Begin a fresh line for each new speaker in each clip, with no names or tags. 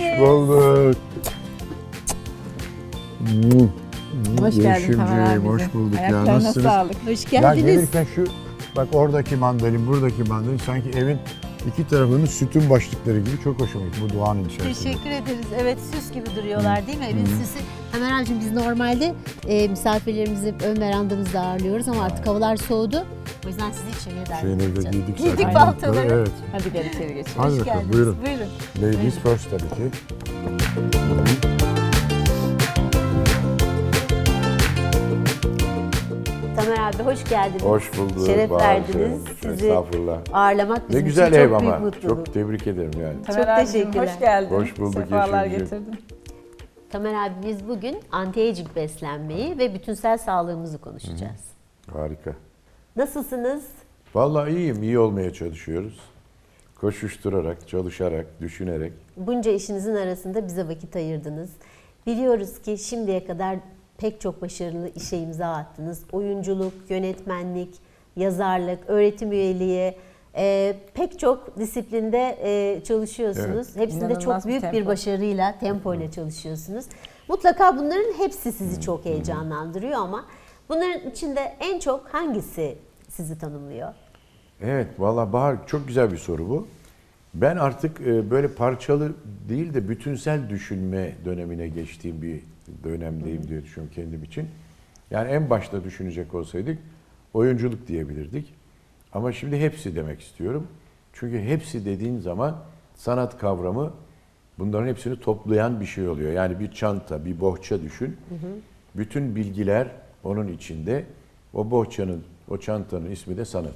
bulduk.
Hoş geldin Tamer
Yeşimciğim,
abicim.
hoş bulduk ya.
Ayaklarına
Nasılsınız?
sağlık.
Hoş
Ya
geldiniz.
gelirken şu bak oradaki mandalin, buradaki mandalin sanki evin iki tarafının sütun başlıkları gibi çok hoşuma gitti bu doğanın içerisinde.
Teşekkür ederiz. Evet, süs gibi duruyorlar değil mi? Evin süsü. Tamer abicim, biz normalde misafirlerimizi ön verandamızda ağırlıyoruz ama artık havalar soğudu. O yüzden sizi içeriye davet
Şeyleri de
edeceğiz.
giydik
Giydik
zaten.
paltoları.
Evet.
Hadi gel içeri geçelim.
Hadi
Hoş
bakalım,
geldiniz.
buyurun.
Buyurun.
Ladies first tabii ki.
Tamer abi hoş geldiniz.
Hoş bulduk.
Şeref
Bahar
verdiniz.
Hanım.
Sizi
Estağfurullah.
ağırlamak
Ne
bizim
güzel
için
ev
çok büyük
ama.
mutluluk.
Çok tebrik ederim yani.
Tamer
Çok
abicim,
teşekkürler.
hoş geldin.
Hoş bulduk
Sefalar
Yeşimciğim.
getirdin.
Tamer abi, biz bugün anti-aging beslenmeyi ve bütünsel sağlığımızı konuşacağız.
Harika.
Nasılsınız?
Vallahi iyiyim. İyi olmaya çalışıyoruz. Koşuşturarak, çalışarak, düşünerek.
Bunca işinizin arasında bize vakit ayırdınız. Biliyoruz ki şimdiye kadar pek çok başarılı işe imza attınız. Oyunculuk, yönetmenlik, yazarlık, öğretim üyeliği, pek çok disiplinde çalışıyorsunuz.
Evet.
Hepsinde
İnanılmaz
çok büyük
bir
bir
tempo.
başarıyla, tempoyla çalışıyorsunuz. Mutlaka bunların hepsi sizi çok heyecanlandırıyor ama bunların içinde en çok hangisi sizi tanımlıyor?
Evet, vallahi Bahar çok güzel bir soru bu. Ben artık böyle parçalı değil de bütünsel düşünme dönemine geçtiğim bir dönemdeyim diye düşünüyorum kendim için. Yani en başta düşünecek olsaydık oyunculuk diyebilirdik. Ama şimdi hepsi demek istiyorum. Çünkü hepsi dediğin zaman sanat kavramı bunların hepsini toplayan bir şey oluyor. Yani bir çanta, bir bohça düşün. Bütün bilgiler onun içinde. O bohçanın, o çantanın ismi de sanat.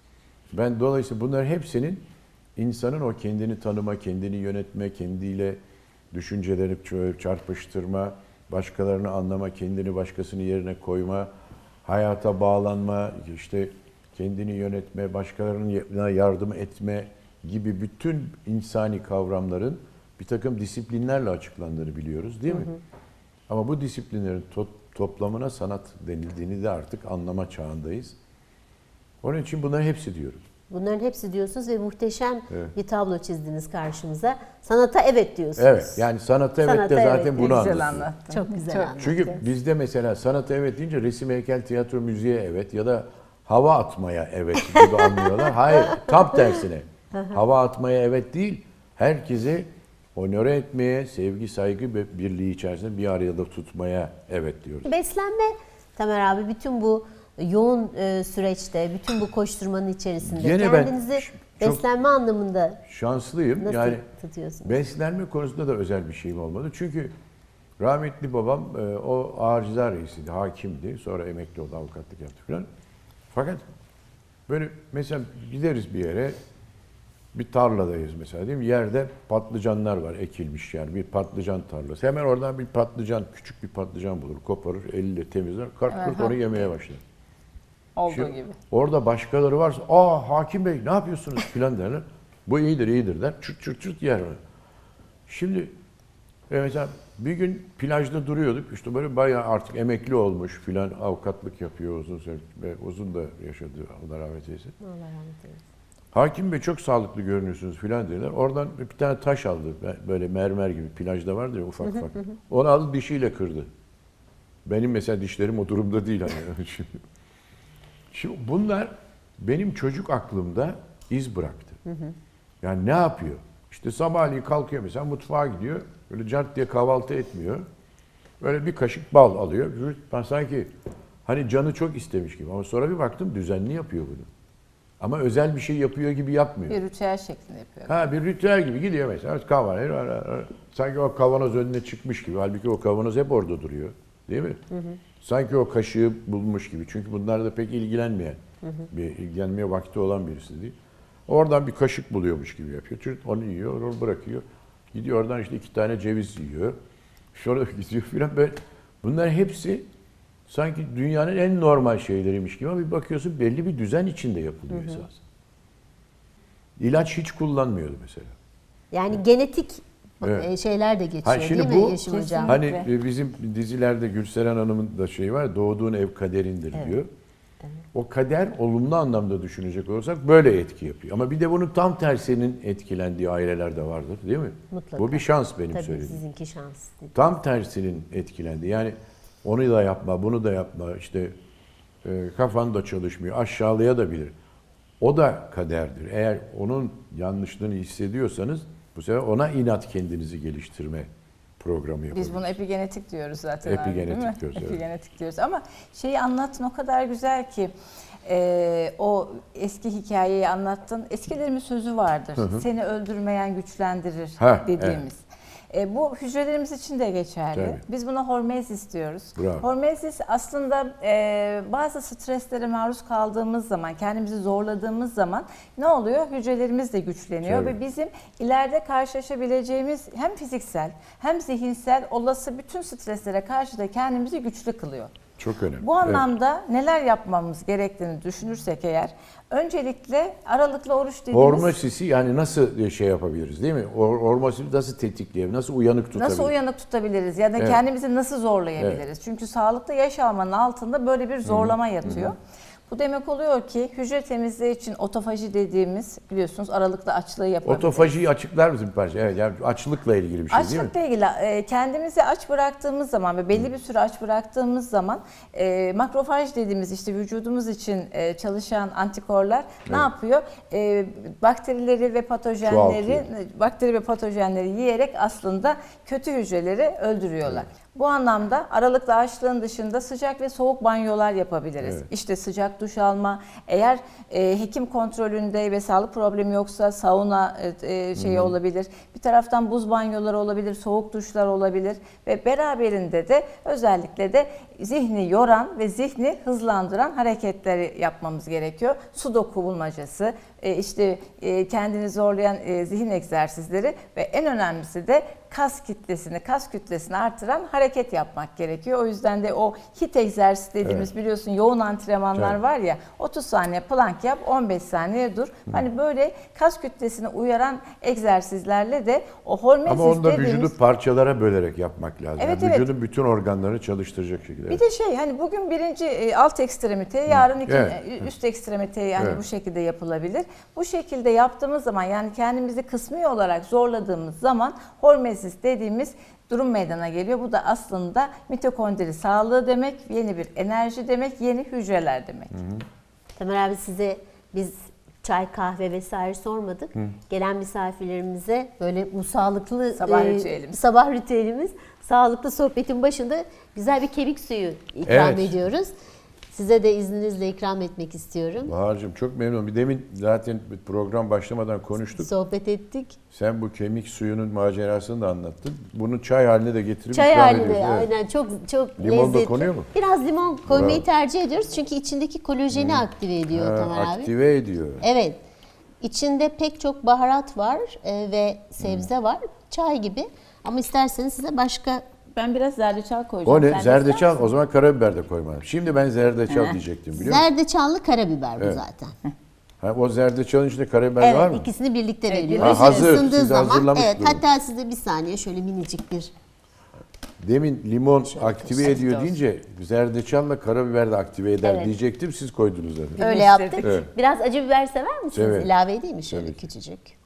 Ben dolayısıyla bunların hepsinin insanın o kendini tanıma, kendini yönetme, kendiyle düşünceleri çarpıştırma, başkalarını anlama, kendini başkasının yerine koyma, hayata bağlanma, işte kendini yönetme, başkalarına yardım etme gibi bütün insani kavramların bir takım disiplinlerle açıklandığını biliyoruz değil mi? Ama bu disiplinlerin toplamına sanat denildiğini de artık anlama çağındayız. Onun için bunların hepsi diyorum.
Bunların hepsi diyorsunuz ve muhteşem
Evet.
bir tablo çizdiniz karşımıza. Sanata evet diyorsunuz.
Evet, yani sanata evet de
Sanata
zaten
evet.
bunu
Güzel
anlatıyor.
anlattın.
Çok güzel
Çok.
anlattınız.
Çünkü bizde mesela sanata evet deyince resim, heykel, tiyatro, müziğe evet ya da hava atmaya evet gibi anlıyorlar. Hayır, tam tersine. Hava atmaya evet değil, herkese onore etmeye, sevgi, saygı ve birliği içerisinde bir arada tutmaya evet diyoruz.
Beslenme, Tamer abi, bütün bu yoğun süreçte, bütün bu koşturmanın içerisinde
Gene ben
kendinizi
çok
beslenme anlamında
şanslıyım.
nasıl
Yani
tutuyorsunuz?
beslenme konusunda da özel bir şeyim olmadı. Çünkü rahmetli babam o ağır ceza reisiydi, hakimdi. Sonra emekli oldu, avukatlık yaptı falan. Fakat böyle mesela gideriz bir yere, bir tarladayız mesela değil mi? Yerde patlıcanlar var ekilmiş yani bir patlıcan tarlası. Hemen oradan bir patlıcan, küçük bir patlıcan bulur, koparır, eliyle temizler, kart
Evet,
onu yemeye başlar.
Olduğu
Şu-
gibi.
Orada başkaları varsa, aa hakim bey ne yapıyorsunuz filan derler. Bu iyidir iyidir der, çırt çırt çırt yer. Şimdi mesela bir gün plajda duruyorduk, işte böyle bayağı artık emekli olmuş filan, avukatlık yapıyor uzun süre ve uzun da yaşadı, Allah rahmet eylesin.
Allah rahmet eylesin.
Hakim bey çok sağlıklı görünüyorsunuz filan dediler. Oradan bir tane taş aldı, böyle mermer gibi plajda vardır ya ufak ufak. Onu aldı dişiyle kırdı. Benim mesela dişlerim o durumda değil hani. Şimdi bunlar benim çocuk aklımda iz bıraktı. Yani ne yapıyor? İşte sabahleyin kalkıyor mesela mutfağa gidiyor. Böyle cart diye kahvaltı etmiyor. Böyle bir kaşık bal alıyor. Ben sanki hani canı çok istemiş gibi. Ama sonra bir baktım düzenli yapıyor bunu. Ama özel bir şey yapıyor gibi yapmıyor.
Bir ritüel şeklinde yapıyor.
Ha bir ritüel gibi gidiyor mesela kahvaltı. Sanki o kavanoz önüne çıkmış gibi. Halbuki o kavanoz hep orada duruyor. Değil mi? Sanki o kaşığı bulmuş gibi. Çünkü bunlar da pek ilgilenmeyen, ilgilenmeye vakti olan birisi değil. Oradan bir kaşık buluyormuş gibi yapıyor. Çocuk onu yiyor, onu bırakıyor. Gidiyor oradan işte 2 tane ceviz yiyor. Sonra gidiyor filan böyle. Bunlar hepsi sanki dünyanın en normal şeyleriymiş gibi ama bir bakıyorsun belli bir düzen içinde yapılıyor esas. İlaç hiç kullanmıyordu mesela.
Yani genetik
Evet.
şeyler de geçiyor
Ha, şimdi
değil mi
bu-
Yeşim Hocam?
Hani bizim dizilerde Gülseren Hanım'ın da şeyi var, doğduğun ev kaderindir diyor. O kader olumlu anlamda düşünecek olursak böyle etki yapıyor. Ama bir de bunun tam tersinin etkilendiği aileler de vardır değil mi?
Mutlaka.
Bu bir şans benim
Tabii
söylediğim.
sizinki şans.
Tam tersinin etkilendi. Yani onu da yapma, bunu da yapma, işte kafan da çalışmıyor, aşağılaya da bilir. O da kaderdir. Eğer onun yanlışlığını hissediyorsanız bu sefer ona inat kendinizi geliştirme programı yapabilirsiniz.
Biz bunu epigenetik diyoruz zaten. abi, değil mi?
Epigenetik diyoruz, evet.
Epigenetik diyoruz. Ama şeyi anlattın o kadar güzel ki o eski hikayeyi anlattın. Eskilerimin sözü vardır. Seni öldürmeyen güçlendirir dediğimiz. Bu hücrelerimiz için de geçerli.
Tabii.
Biz buna hormezis diyoruz.
Bravo.
Hormezis aslında bazı streslere maruz kaldığımız zaman, kendimizi zorladığımız zaman ne oluyor? Hücrelerimiz de güçleniyor
Tabii.
ve bizim ileride karşılaşabileceğimiz hem fiziksel hem zihinsel olası bütün streslere karşı da kendimizi güçlü kılıyor.
Çok önemli.
Bu anlamda neler yapmamız gerektiğini düşünürsek eğer, öncelikle aralıklı oruç dediğimiz...
Hormosisi yani nasıl şey yapabiliriz değil mi? Hormosisi nasıl tetikleyebiliriz, nasıl uyanık tutabiliriz?
Nasıl uyanık tutabiliriz ya da
Evet.
kendimizi nasıl zorlayabiliriz? Çünkü sağlıklı yaş almanın altında böyle bir zorlama yatıyor. Bu demek oluyor ki hücre temizliği için otofaji dediğimiz biliyorsunuz aralıklı açlığı yapabiliriz.
Otofajiyi açıklar mısın bir parça? Evet, yani açlıkla ilgili bir şey değil mi?
Açlıkla ilgili kendimizi aç bıraktığımız zaman ve belli bir süre aç bıraktığımız zaman makrofaj dediğimiz işte vücudumuz için çalışan antikorlar ne yapıyor? Bakterileri ve patojenleri yiyerek aslında kötü hücreleri öldürüyorlar. Bu anlamda aralıklı açlığın dışında sıcak ve soğuk banyolar yapabiliriz.
Evet.
İşte sıcak duş alma, eğer hekim kontrolünde ve sağlık problemi yoksa sauna şeyi olabilir. Bir taraftan buz banyoları olabilir, soğuk duşlar olabilir ve beraberinde de özellikle de zihni yoran ve zihni hızlandıran hareketleri yapmamız gerekiyor. Sudoku bulmacası, işte kendini zorlayan zihin egzersizleri ve en önemlisi de kas kütlesini artıran hareket yapmak gerekiyor. O yüzden de o HIIT egzersizi dediğimiz biliyorsun yoğun antrenmanlar var ya 30 saniye plank yap 15 saniye dur. Hani böyle kas kütlesini uyaran egzersizlerle de o hormezis
Ama onu da
dediğimiz...
vücudu parçalara bölerek yapmak lazım.
Evet,
Yani vücudun bütün organlarını çalıştıracak şekilde.
Bir de hani bugün birinci alt ekstremite, yarın üst ekstremite yani bu şekilde yapılabilir. Bu şekilde yaptığımız zaman yani kendimizi kısmi olarak zorladığımız zaman hormezis dediğimiz durum meydana geliyor. Bu da aslında mitokondri sağlığı demek, yeni bir enerji demek, yeni hücreler demek.
Tamer abi size biz çay, kahve vesaire sormadık. Gelen misafirlerimize böyle bu sağlıklı sabah ritüelimiz, sağlıklı sohbetin başında güzel bir kemik suyu ikram ediyoruz. Size de izninizle ikram etmek istiyorum.
Bahar'cığım çok memnunum. Bir demin zaten program başlamadan konuştuk.
Sohbet ettik.
Sen bu kemik suyunun macerasını da anlattın. Bunu çay haline de getirip
Çay
ikram
haline
ediyorsun. Evet.
aynen çok
Limon da
lezzetli.
konuyor mu?
Biraz limon koymayı tercih ediyoruz çünkü içindeki kolajeni aktive ediyor Tamer abi.
Aktive ediyor.
Evet. İçinde pek çok baharat var ve sebze var. Çay gibi. Ama isterseniz size başka...
Ben biraz zerdeçal koyacağım.
O ne?
Sen de
Zerdeçal.
ister misin?
O zaman karabiber de koymalım. Şimdi ben zerdeçal diyecektim biliyor musun?
Zerdeçallı karabiber bu zaten.
Ha, o zerdeçalın içinde karabiber var mı?
Evet, ikisini birlikte
Evet,
veriyoruz.
Ha, hazır.
Isındığı
Siz
zaman,
hazırlamış
evet,
durun.
hatta size bir saniye şöyle minicik bir...
Demin limon aktive ediyor
olsun.
deyince zerdeçalla karabiber de aktive eder
Evet.
diyecektim. Siz koydunuz zaten.
Öyle
Birleştirdik.
yaptık.
Evet.
Biraz acı biber sever misiniz?
Evet.
İlave edeyim mi şöyle
Tabii ki.
küçücük?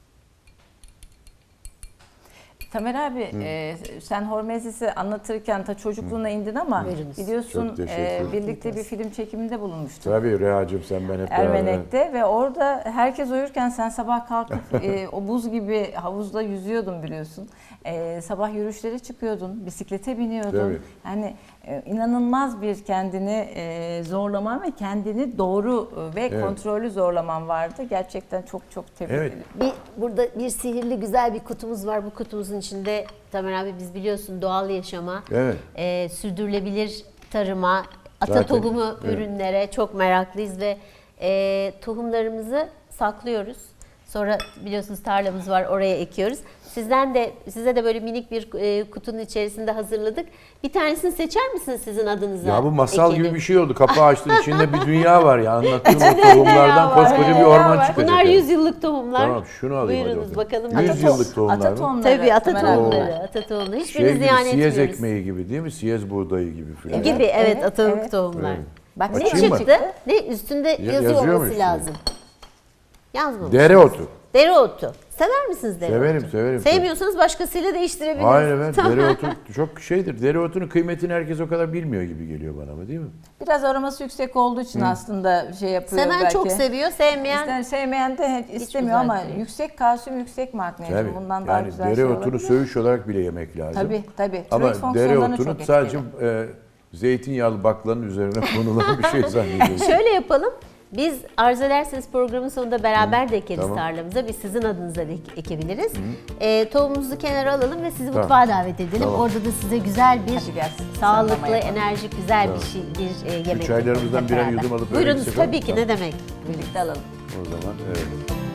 Tamer abi sen hormezisi anlatırken ta çocukluğuna indin ama
Buyurunuz.
biliyorsun
Çok teşekkür ederim.
birlikte bir film çekiminde bulunmuştuk.
Tabii Reha'cığım sen ben hep beraber.
Ermenek'te ve orada herkes uyurken sen sabah kalkıp o buz gibi havuzda yüzüyordun biliyorsun. Sabah yürüyüşlere çıkıyordun, bisiklete biniyordun.
Tabii.
Yani inanılmaz bir kendini zorlaman ve kendini doğru ve kontrollü zorlaman vardı. Gerçekten çok tebrik ederim.
Burada bir sihirli güzel bir kutumuz var. Bu kutumuzun içinde Tamer abi biz biliyorsun doğal yaşama, sürdürülebilir tarıma, ata
Zaten,
tohumu ürünlere çok meraklıyız ve tohumlarımızı saklıyoruz. Sonra biliyorsunuz tarlamız var, oraya ekiyoruz. Size de böyle minik bir kutunun içerisinde hazırladık. Bir tanesini seçer misiniz sizin adınıza?
Ya bu masal
ekelim?
gibi bir şey oldu. Kapağı açtın içinde bir dünya var ya. Anlattığım o tohumlardan koskoca bir orman çıkacak.
Bunlar
yani.
100 yıllık tohumlar.
Tamam şunu alayım
Buyurunuz
hadi
bakalım.
100 yıllık tohumlar
Ata
mı?
tohumları.
Tabii ata
Tamer abi.
tohumları. Ata tohumları. Hiçbirini
Şey gibi,
ziyan
siyez
etmiyoruz.
ekmeği gibi değil mi? Siyez buğdayı gibi falan.
Gibi evet,
Evet,
atalık
evet.
tohumlar.
Evet.
Bak
Ne
Açayım mı?
çıktı? Ne üstünde yazıyor
yazıyor mu
olması
üstünde?
lazım. Yazmamış.
Dereotu.
Dereotu. Sever misiniz dereotu?
Severim.
Sevmiyorsanız başkasıyla değiştirebiliriz.
Hayır evet,
Tamam.
dereotu çok şeydir. Dereotunun kıymetini herkes o kadar bilmiyor gibi geliyor bana ama değil mi?
Biraz aroması yüksek olduğu için aslında şey yapıyor
Seven
belki.
çok seviyor, sevmeyen
Sevmeyen de istemiyor ama
güzel değil.
yüksek kalsiyum, yüksek magnezyum.
Tabii.
Bundan daha
Yani
güzel şey
dereotunu
olabilir.
söğüş olarak bile yemek lazım.
Tabii.
Ama
Tiroid fonksiyonlarını
dereotunu
çok
sadece
etkili.
zeytinyağlı baklanın üzerine konulan bir şey zannediyorum.
Şöyle yapalım. Biz arzu ederseniz programın sonunda beraber de ekeriz
Tamam.
tarlamıza. Biz sizin adınıza da ekebiliriz. Tohumumuzu kenara alalım ve sizi
Tamam.
mutfağa davet edelim.
Tamam.
Orada da size güzel bir,
Hadi gelsin.
sağlıklı,
Sallama yapalım.
enerjik, güzel bir yemek
çaylarımızdan
yapalım hep
birer
beraber.
yudum alıp öyle
Buyurunuz
gitsek
tabii ki
olur mu?
ne demek.
Birlikte alalım.
O zaman evet.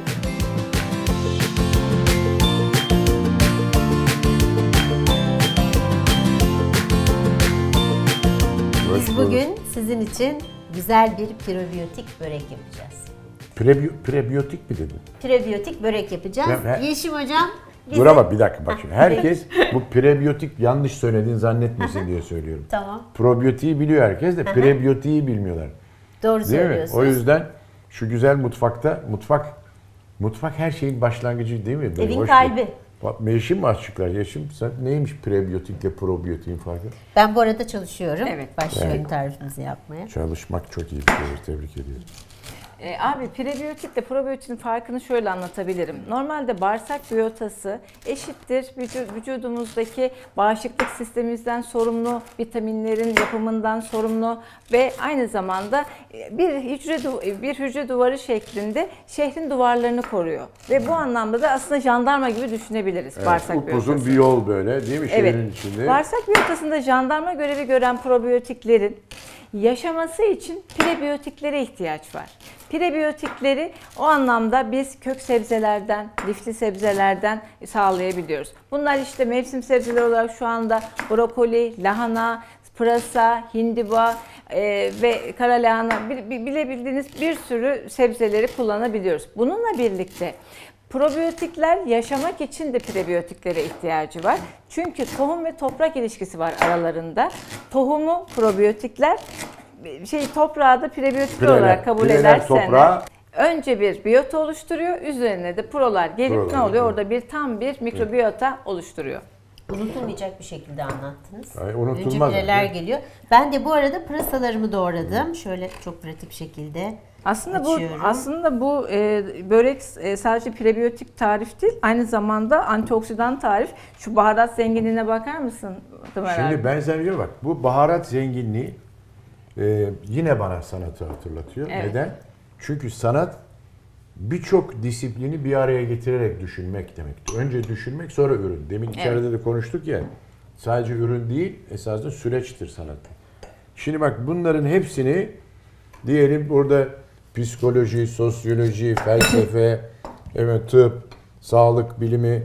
Biz bugün sizin için güzel bir prebiyotik börek yapacağız.
Prebiyotik mi dedin?
Prebiyotik börek yapacağız.
Ben-
Yeşim hocam bize...
Dur ama bir dakika bak şimdi. Herkes bu prebiyotik yanlış söylediğini zannetmesin diye söylüyorum.
Tamam.
Probiyotiği biliyor herkes de prebiyotiği bilmiyorlar.
Doğru
Değil mi?
söylüyorsunuz.
O yüzden şu güzel mutfak her şeyin başlangıcı değil mi?
Evin
Hoş
kalbi.
değil. Bak Yeşim mi açıklar? Yeşim sen neymiş prebiyotikle probiyotiğin farkı?
Ben bu arada çalışıyorum.
Evet.
Başlıyorum tarifimizi yapmaya.
Çalışmak çok iyi bir şey. Tebrik ediyorum.
Abi prebiyotikle probiyotiğin farkını şöyle anlatabilirim. Normalde bağırsak biyotası eşittir vücudumuzdaki bağışıklık sistemimizden sorumlu, vitaminlerin yapımından sorumlu ve aynı zamanda bir hücre duvarı şeklinde şehrin duvarlarını koruyor. Ve bu anlamda da aslında jandarma gibi düşünebiliriz bağırsak biyotası.
Upuzun bir yol böyle değil mi şehrin içinde?
Bağırsak biyotasında jandarma görevi gören probiyotiklerin yaşaması için prebiyotiklere ihtiyaç var. Prebiyotikleri o anlamda biz kök sebzelerden, lifli sebzelerden sağlayabiliyoruz. Bunlar işte mevsim sebzeleri olarak şu anda brokoli, lahana, pırasa, hindiba ve kara lahana bilebildiğiniz bir sürü sebzeleri kullanabiliyoruz. Bununla birlikte probiyotikler yaşamak için de prebiyotiklere ihtiyacı var. Çünkü tohum ve toprak ilişkisi var aralarında. Tohumu probiyotikler, toprağı da prebiyotikler olarak kabul ederseniz
toprağa
önce bir biyota oluşturuyor, üzerine de prolar gelip
Prolar,
ne oluyor?
evet.
Orada tam bir mikrobiyota oluşturuyor.
Unutulmayacak bir şekilde anlattınız.
Ay, unutulmaz
Önce pireler
mı?
geliyor. Ben de bu arada pırasalarımı doğradım. Şöyle çok pratik bir şekilde açıyorum.
Aslında bu börek sadece prebiyotik tarif değil, aynı zamanda antioksidan tarif. Şu baharat zenginliğine bakar mısın Ömer abi?
Şimdi ben sana diyorum bak bu baharat zenginliği yine bana sanatı hatırlatıyor.
Evet.
Neden? Çünkü sanat birçok disiplini bir araya getirerek düşünmek demektir. Önce düşünmek sonra ürün. Demin içeride de konuştuk ya sadece ürün değil esasında süreçtir sanat. Şimdi bak bunların hepsini diyelim burada psikoloji, sosyoloji, felsefe, evet, tıp, sağlık bilimi,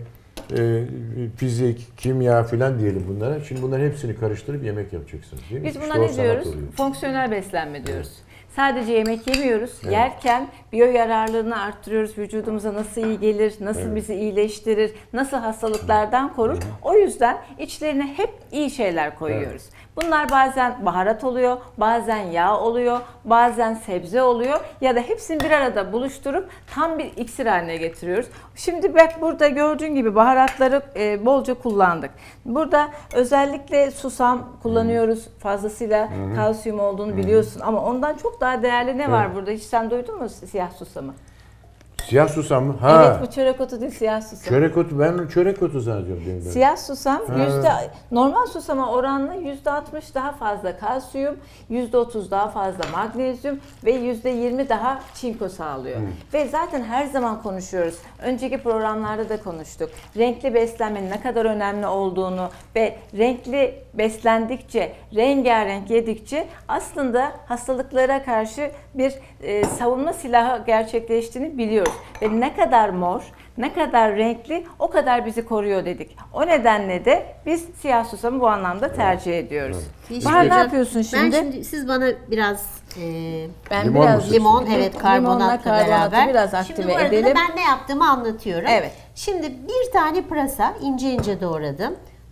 fizik, kimya filan diyelim bunlara. Şimdi bunların hepsini karıştırıp yemek yapacaksınız değil mi?
Biz buna
İşte o
ne
sanat
diyoruz?
oluyor.
Fonksiyonel beslenme diyoruz. Sadece yemek yemiyoruz. Yerken biyo yararlılığını arttırıyoruz. Vücudumuza nasıl iyi gelir, nasıl bizi iyileştirir, nasıl hastalıklardan korur. O yüzden içlerine hep iyi şeyler koyuyoruz. Bunlar bazen baharat oluyor, bazen yağ oluyor, bazen sebze oluyor ya da hepsini bir arada buluşturup tam bir iksir haline getiriyoruz. Şimdi bak burada gördüğün gibi baharatları bolca kullandık. Burada özellikle susam kullanıyoruz. Fazlasıyla kalsiyum olduğunu biliyorsun ama ondan çok daha değerli ne var burada? Hiç sen duydun mu siyah susamı?
Siyah susam mı? Ha.
Evet, bu çörek otu değil, siyah susam.
Çörek otu, ben çörek otu zannediyorum. Benim böyle.
Siyah susam normal susama oranla %60 daha fazla kalsiyum, %30 daha fazla magnezyum ve %20 daha çinko sağlıyor. Ve zaten her zaman konuşuyoruz. Önceki programlarda da konuştuk. Renkli beslenmenin ne kadar önemli olduğunu ve renkli beslendikçe, rengarenk yedikçe aslında hastalıklara karşı bir savunma silahı gerçekleştiğini biliyoruz. Ve ne kadar mor, ne kadar renkli o kadar bizi koruyor dedik. O nedenle de biz siyah susamı bu anlamda tercih ediyoruz. Bahar ne yapıyorsun şimdi?
Ben şimdi siz bana biraz
Ben
Limon
biraz
musun?
limon, evet, karbonatla
karbonatı
beraber.
biraz
Şimdi
aktive
bu arada da
edelim.
ben ne yaptığımı anlatıyorum.
Evet.
Şimdi bir tane pırasa ince ince doğradım.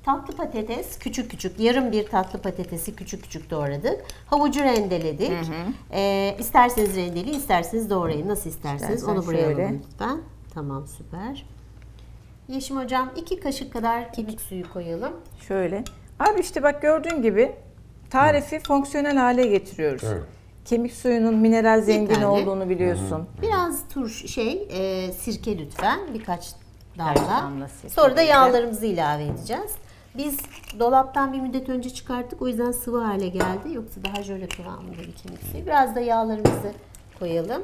Tatlı patates küçük küçük, yarım bir tatlı patatesi küçük küçük doğradık. Havucu rendeledik. İsterseniz rendeleyin, isterseniz doğrayın. Nasıl isterseniz
İstersen
onu buraya
şöyle.
alın lütfen. Tamam, süper. Yeşim hocam 2 kaşık kadar kemik suyu koyalım.
Şöyle. Abi işte bak gördüğün gibi tarifi fonksiyonel hale getiriyoruz.
Evet.
Kemik suyunun mineral zengin
tane.
olduğunu biliyorsun.
Biraz sirke lütfen, birkaç
Birkaç
damla.
damla sirke
Sonra da
böyle.
yağlarımızı ilave edeceğiz. Biz dolaptan bir müddet önce çıkarttık, o yüzden sıvı hale geldi. Yoksa daha jöle kıvamında bir kemik suyu. Biraz da yağlarımızı koyalım.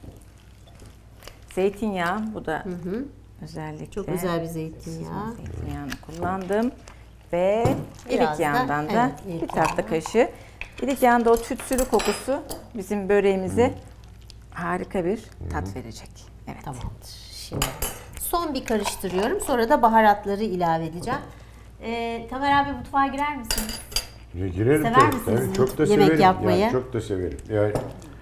Zeytinyağı bu da özellikle.
Çok güzel bir zeytinyağı.
Zeytinyağını kullandım. Ve
Biraz
ilik
da,
yağından da
evet, ilik
bir tatlı
yağı.
kaşığı. İlik yağında o tütsülü kokusu bizim böreğimize harika bir tat verecek. Evet.
Tamamdır. Şimdi son bir karıştırıyorum. Sonra da baharatları ilave edeceğim. Tamer abi, mutfağa girer misiniz?
Girelim
Sever
tabii.
misiniz
Tabii, çok da
yemek
severim.
yapmayı?
Yani çok da severim. Yani,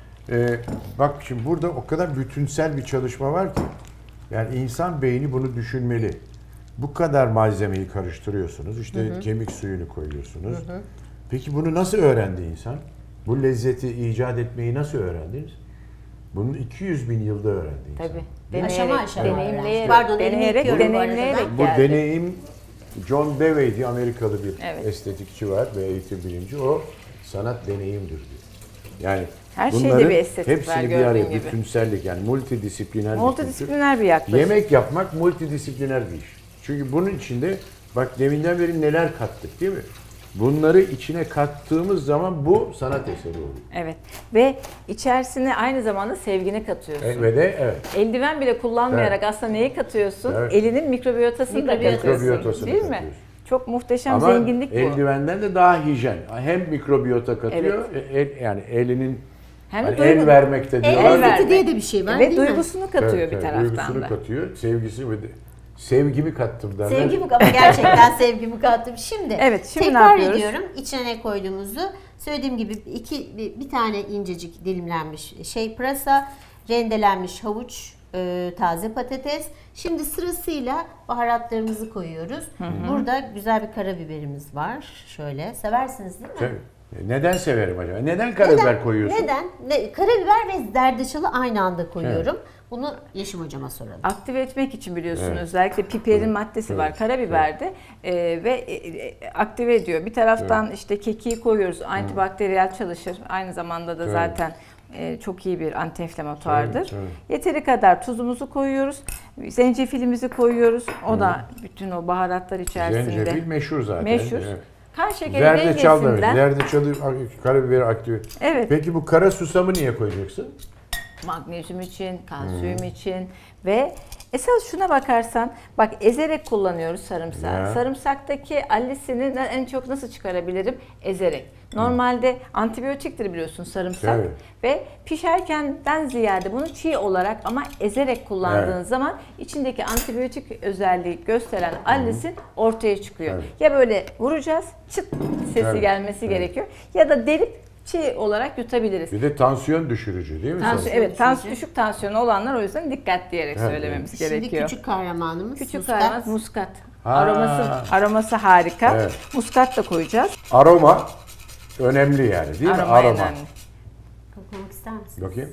bak şimdi burada o kadar bütünsel bir çalışma var ki. Yani insan beyni bunu düşünmeli. Bu kadar malzemeyi karıştırıyorsunuz. İşte kemik suyunu koyuyorsunuz. Peki bunu nasıl öğrendi insan? Bu lezzeti icat etmeyi nasıl öğrendiniz? Bunu 200 bin yılda öğrendi insan.
Tabii.
Aşama aşama
deneyimleyerek,
öğrendik. Pardon, elimi
deneyerek,
yıkıyorum bu arada
deneyimleyerek
ben.
Bu
geldi.
deneyim John Dewey diye Amerikalı bir
Evet.
estetikçi var ve eğitim bilimci. O sanat deneyimdir diyor. Yani
Her şeyde
bunların
bir estetik var,
hepsini bir
gördüğün
araya,
gibi.
bütünsellik yani multidisipliner bir
Multidisipliner bir yaklaşım.
kültür. Yemek yapmak multidisipliner bir iş. Çünkü bunun içinde bak deminden beri neler kattık değil mi? Bunları içine kattığımız zaman bu sanat eseri oluyor.
Evet. Ve içerisine aynı zamanda sevgini katıyorsun.
Ve de evet.
Eldiven bile kullanmayarak aslında neyi katıyorsun?
Evet.
Elinin mikrobiyotasını da katıyorsun.
Mikrobiyotasını
Değil mi?
katıyorsun.
Çok muhteşem
Ama
zenginlik bu.
eldivenden de daha hijyen. Hem mikrobiyota katıyor, yani elinin
Hem de
hani
duygu-
el vermekte diyorlar.
El vermek.
diye de bir şey var,
Ve
değil mi?
duygusunu katıyor
Evet,
bir
evet,
taraftan
duygusunu
da.
katıyor, sevgisi ve de sevgimi kattım derler.
Sevgimi kattım. Gerçekten sevgimi kattım. Şimdi,
Evet, şimdi ne
tekrar
yapıyoruz?
ediyorum içine ne koyduğumuzu. Söylediğim gibi bir tane incecik dilimlenmiş pırasa, rendelenmiş havuç, taze patates. Şimdi sırasıyla baharatlarımızı koyuyoruz. Burada güzel bir karabiberimiz var. Şöyle, seversiniz değil mi?
Tabii. Neden severim acaba? Neden karabiber koyuyorsun?
Neden? Karabiber ve zerdeçalı aynı anda koyuyorum. Bunu Yeşim hocama soralım.
Aktive etmek için biliyorsun
Evet.
özellikle piperin
Evet.
maddesi
Evet.
var karabiberde ve aktive ediyor. Bir taraftan işte kekiği koyuyoruz, antibakteriyel çalışır. Aynı zamanda da
Evet.
zaten çok iyi bir antiinflamatuardır.
Evet, evet.
Yeteri kadar tuzumuzu koyuyoruz, zencefilimizi koyuyoruz. O da bütün o baharatlar içerisinde.
Zencefil meşhur zaten.
Meşhur.
Evet.
Kan şekeri
Zerdeçal da öyle.
dengesinden.
Zerdeçalı karabiberi aktive.
Evet.
Peki bu kara susamı niye koyacaksın?
Magnezyum için, kalsiyum için ve esas şuna bakarsan bak ezerek kullanıyoruz sarımsağı.
Ya.
Sarımsaktaki allisini en çok nasıl çıkarabilirim? Ezerek. Normalde antibiyotiktir biliyorsun sarımsak
Evet.
ve pişerkenden ziyade bunu çiğ olarak ama ezerek kullandığın
Evet.
zaman içindeki antibiyotik özelliği gösteren allisin ortaya çıkıyor.
Evet.
Ya böyle vuracağız, çıt sesi
Evet.
gelmesi
Evet.
gerekiyor ya da delip çiğ olarak yutabiliriz.
Bir de tansiyon düşürücü değil mi?
Evet, düşük tansiyonu olanlar o yüzden dikkat diyerek
Evet,
söylememiz
Şimdi
gerekiyor.
küçük kahramanımız
Küçük
muskat.
kaymak muskat.
Ha.
Aroması harika.
Evet.
Muskat da koyacağız.
Aroma önemli yani değil mi?
Aroma önemli.
Koklamak ister misiniz?
Bakayım.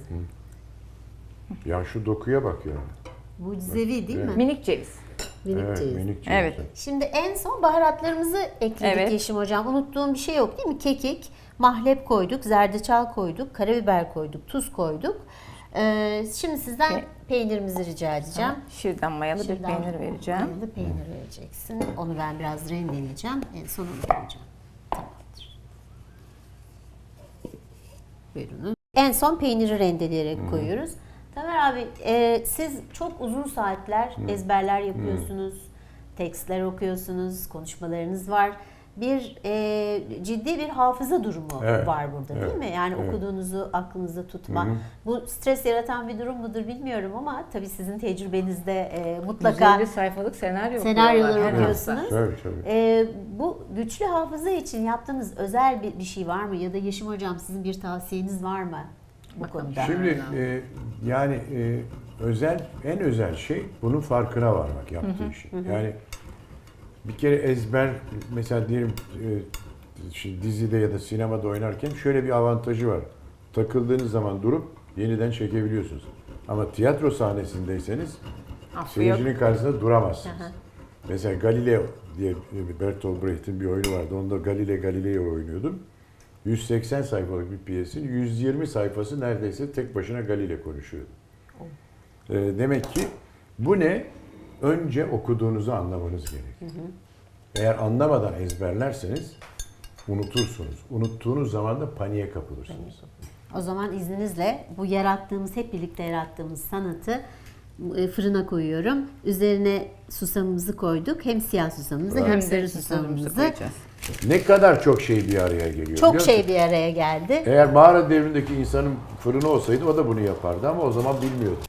Ya şu dokuya bak ya.
Mucizevi değil mi?
Minik ceviz.
Minik
Evet,
ceviz.
minik ceviz.
Evet.
Şimdi en son baharatlarımızı ekledik
Evet.
Yeşim hocam. Unuttuğum bir şey yok değil mi? Kekik, mahlep koyduk, zerdeçal koyduk, karabiber koyduk, tuz koyduk. Şimdi sizden peynirimizi rica edeceğim.
Şırdan mayalı bir
Şırdan
peynir vereceğim.
mayalı peynir vereceksin. Onu ben biraz rendeleyeceğim. En son onu koyacağım. Tamamdır. Buyurunuz. En son peyniri rendeleyerek koyuyoruz. Tamer abi, siz çok uzun saatler ezberler yapıyorsunuz, tekstler okuyorsunuz, konuşmalarınız var. Ciddi bir hafıza durumu
Evet,
var burada değil
evet,
mi? Yani
evet.
okuduğunuzu aklınızda tutma. Bu stres yaratan bir durum mudur bilmiyorum ama tabii sizin tecrübenizde mutlaka
150 sayfalık
senaryolar
okuyorlar.
okuyorsunuz.
Tabii tabii.
Bu güçlü hafıza için yaptığınız özel bir şey var mı? Ya da Yeşim hocam sizin bir tavsiyeniz var mı bu konuda?
Şimdi yani en özel şey bunun farkına varmak yaptığı işi. Yani bir kere ezber, mesela diyelim dizide ya da sinemada oynarken şöyle bir avantajı var. Takıldığınız zaman durup yeniden çekebiliyorsunuz. Ama tiyatro sahnesindeyseniz seyircinin karşısında duramazsınız. Mesela Galileo diye Bertolt Brecht'in bir oyunu vardı. Onda Galileo oynuyordum. 180 sayfalık bir piyesin 120 sayfası neredeyse tek başına Galileo konuşuyordu. Demek ki bu ne? Önce okuduğunuzu anlamanız gerekiyor. Eğer anlamadan ezberlerseniz unutursunuz. Unuttuğunuz zaman da paniğe kapılırsınız.
O zaman izninizle bu hep birlikte yarattığımız sanatı fırına koyuyorum. Üzerine susamımızı koyduk. Hem siyah susamımızı hem sarı susamımızı
koyacağız.
Ne kadar çok şey bir araya geliyor.
Çok
biliyor
şey
musun?
bir araya geldi.
Eğer mağara devrindeki insanın fırını olsaydı o da bunu yapardı ama o zaman bilmiyordu.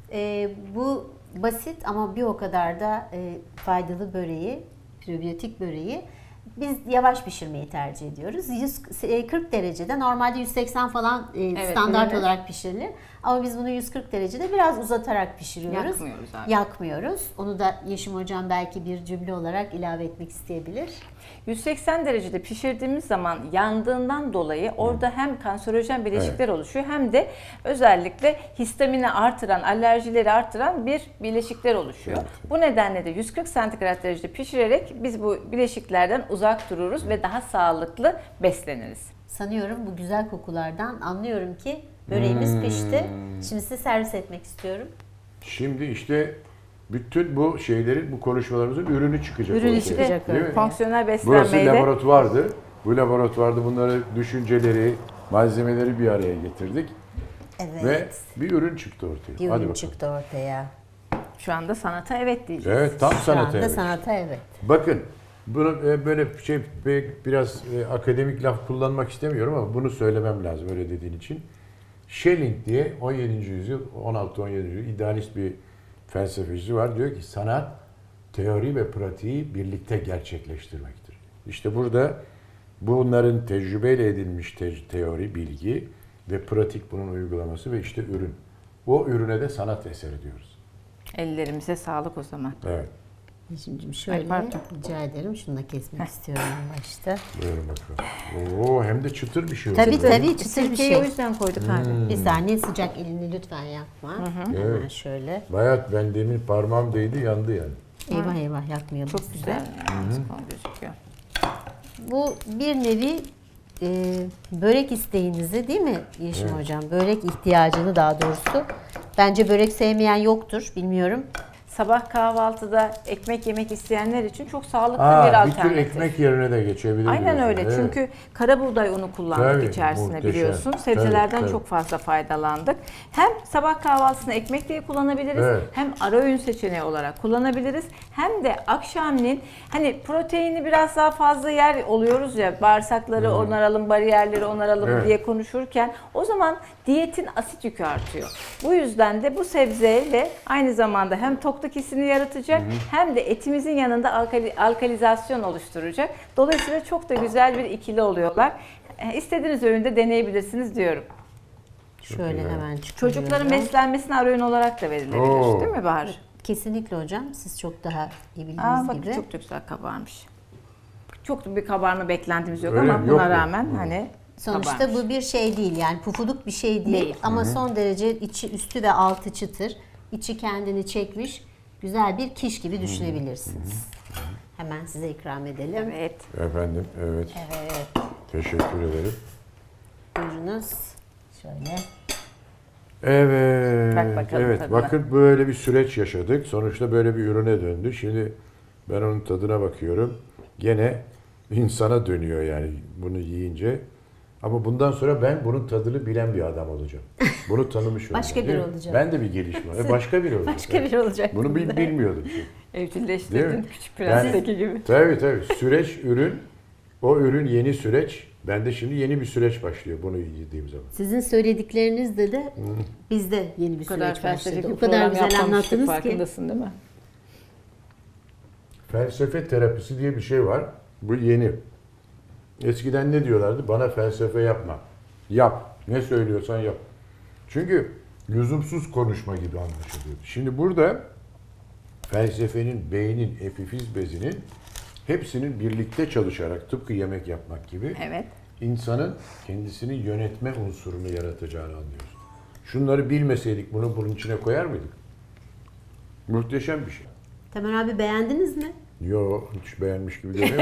Bu basit ama bir o kadar da faydalı böreği, probiyotik böreği biz yavaş pişirmeyi tercih ediyoruz. 140 derecede, normalde 180 falan standart
evet.
olarak pişirilir. Ama biz bunu 140 derecede biraz uzatarak pişiriyoruz.
Yakmıyoruz abi.
Yakmıyoruz. Onu da Yeşim Hocam belki bir cümle olarak ilave etmek isteyebilir.
180 derecede pişirdiğimiz zaman yandığından dolayı orada hem kanserojen bileşikler oluşuyor hem de özellikle histamini artıran, alerjileri artıran bir bileşikler oluşuyor.
Evet.
Bu nedenle de 140 santigrat derecede pişirerek biz bu bileşiklerden uzak dururuz ve daha sağlıklı besleniriz.
Sanıyorum bu güzel kokulardan anlıyorum ki böreğimiz pişti. Şimdi size servis etmek istiyorum.
Şimdi işte bütün bu şeylerin, bu konuşmalarımızın ürünü çıkacak.
Ürünü
ortaya.
çıkacak.
Değil mi?
Fonksiyonel
Burası
beslenmeyi de
laboratuvardı. Bu laboratuvarda bunları, düşünceleri, malzemeleri bir araya getirdik.
Evet.
Ve bir ürün çıktı ortaya.
Bir
Hadi
ürün
bakalım.
çıktı ortaya.
şu anda sanata evet diyeceğiz.
Evet, tam
Şu
sanat
anda
evet.
sanata evet.
Bakın, bunu böyle biraz akademik laf kullanmak istemiyorum ama bunu söylemem lazım öyle dediğin için. Schelling diye 17. yüzyıl, 16-17. yüzyıl idealist bir felsefeci var. Diyor ki sanat teori ve pratiği birlikte gerçekleştirmektir. İşte burada bunların tecrübeyle edilmiş teori, bilgi ve pratik bunun uygulaması ve işte ürün. O ürüne de sanat eseri diyoruz.
Ellerimize sağlık o zaman.
Evet.
Yeşim'cim şöyle
pardon.
rica ederim. Şunu da kesmek istiyorum en başta.
Buyurun bakalım. Oo, hem de çıtır bir şey oldu.
Tabii
böyle.
tabii çıtır bir
Sirkeyi
şey.
o yüzden koyduk abi.
Bir saniye sıcak elini lütfen yapma. Hemen
Evet.
şöyle.
Bayağı ben demin parmağım değdi yandı yani.
Eyvah eyvah yakmayalım
Çok
size.
güzel yani. Gözüküyor.
Bu bir nevi börek isteğinizi değil mi Yeşim
Evet.
Hocam? Börek ihtiyacını daha doğrusu. Bence börek sevmeyen yoktur. Bilmiyorum.
Sabah kahvaltıda ekmek yemek isteyenler için çok sağlıklı bir
Bir
alternatif.
tür ekmek yerine de geçebilir.
Aynen
diyorsun.
öyle.
Evet.
Çünkü kara buğday unu kullandık
Tabii,
içerisine
muhteşem.
biliyorsun. Sebzelerden
Tabii.
çok fazla faydalandık. Hem sabah kahvaltısını ekmek diye kullanabiliriz.
Evet.
Hem ara öğün seçeneği olarak kullanabiliriz. Hem de akşamleyin hani proteini biraz daha fazla yer oluyoruz ya, bağırsakları onaralım, bariyerleri onaralım
Evet.
diye konuşurken o zaman diyetin asit yükü artıyor. Bu yüzden de bu sebzeyle aynı zamanda hem tokluk hissini yaratacak hem de etimizin yanında alkalizasyon oluşturacak. Dolayısıyla çok da güzel bir ikili oluyorlar. İstediğiniz öğünde deneyebilirsiniz diyorum.
Şöyle
güzel.
hemen çıkarıyorum.
Çocukların beslenmesine ara öğün olarak da verilebilir.
Oo.
Değil mi Bahar?
Kesinlikle hocam. Siz çok daha iyi bildiğiniz
Aa, bak
gibi.
çok da güzel kabarmış. Çok da bir kabarma beklentimiz yok
Öyle
ama
mi?
buna
Yok mu?
rağmen hani
Sonuçta
kabarmış.
bu bir şey değil yani pufuduk bir şey değil,
Değil.
ama son derece içi üstü ve altı çıtır. İçi kendini çekmiş güzel bir kiş gibi düşünebilirsiniz. Hemen size ikram edelim.
Evet.
Efendim, evet.
Evet.
Teşekkür ederim.
Buyurunuz. Şöyle.
Evet.
Bak bakalım
evet.
tadına.
Bakın böyle bir süreç yaşadık. Sonuçta böyle bir ürüne döndü. Şimdi ben onun tadına bakıyorum. Gene insana dönüyor yani bunu yiyince. Ama bundan sonra ben bunun tadını bilen bir adam olacağım. Bunu tanımış olacağım.
Başka biri
değil mi?
olacak.
Ben de bir gelişme. Başka biri olacak.
Başka biri olacak.
Bunu bilmiyordum. Değil
Evcilleştirdin
mi?
küçük prensteki gibi.
Tabii. Süreç, ürün. O ürün yeni süreç. Bende şimdi yeni bir süreç başlıyor bunu yediğim zaman.
Sizin söylediklerinizde de bizde yeni bir
Bu kadar
süreç başladı.
felsefik
O
bir
kadar
program
güzel
yapmamıştık,
anlattınız ki.
farkındasın değil mi?
Felsefe terapisi diye bir şey var. Bu yeni. Eskiden ne diyorlardı? Bana felsefe yapma. Yap. Ne söylüyorsan yap. Çünkü lüzumsuz konuşma gibi anlaşılıyordu. Şimdi burada felsefenin, beynin, epifiz bezinin hepsinin birlikte çalışarak tıpkı yemek yapmak gibi
Evet.
insanın kendisini yönetme unsurunu yaratacağını anlıyoruz. Şunları bilmeseydik bunu bunun içine koyar mıydık? Muhteşem bir şey.
Tamer abi beğendiniz mi?
Yo, hiç beğenmiş gibi görünüyor.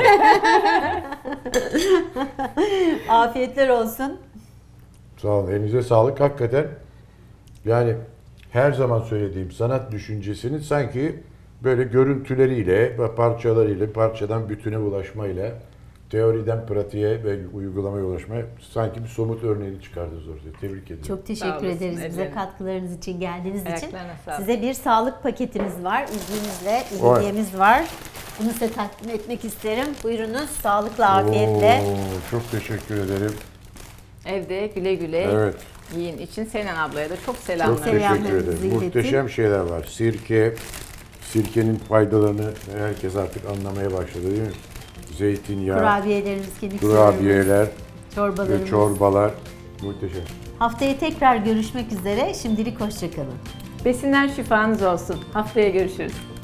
Afiyetler olsun.
Sağ olun. Elinize sağlık. Hakikaten yani her zaman söylediğim sanat düşüncesinin sanki böyle görüntüleriyle ve parçalarıyla, parçadan bütüne ulaşmayla, teoriden pratiğe ve uygulamaya ulaşmaya sanki bir somut örneğini çıkardınız ortaya. Tebrik ederim.
Çok
Sağ
teşekkür
olasın,
ederiz bize
ellerine.
katkılarınız için, geldiğiniz için.
Ayaklarına sağlık.
Size bir sağlık paketimiz var. İzninizle
Vay.
hediyemiz var. Bunu size takdim etmek isterim. Buyurunuz sağlıkla, afiyetle.
Oo, çok teşekkür ederim.
Evde güle güle
Evet.
yiyin için Senen ablaya da çok
Çok
selamlar.
teşekkür
Selamlarınızı
ederim.
iletin.
Muhteşem şeyler var. Sirkenin faydalarını herkes artık anlamaya başladı değil mi? Zeytinyağı,
Kurabiyelerimiz, kemik suylarımız,
kurabiyeler
çorbalarımız.
ve çorbalar muhteşem.
Haftaya tekrar görüşmek üzere. Şimdilik hoşçakalın.
Besinler şifanız olsun. Haftaya görüşürüz.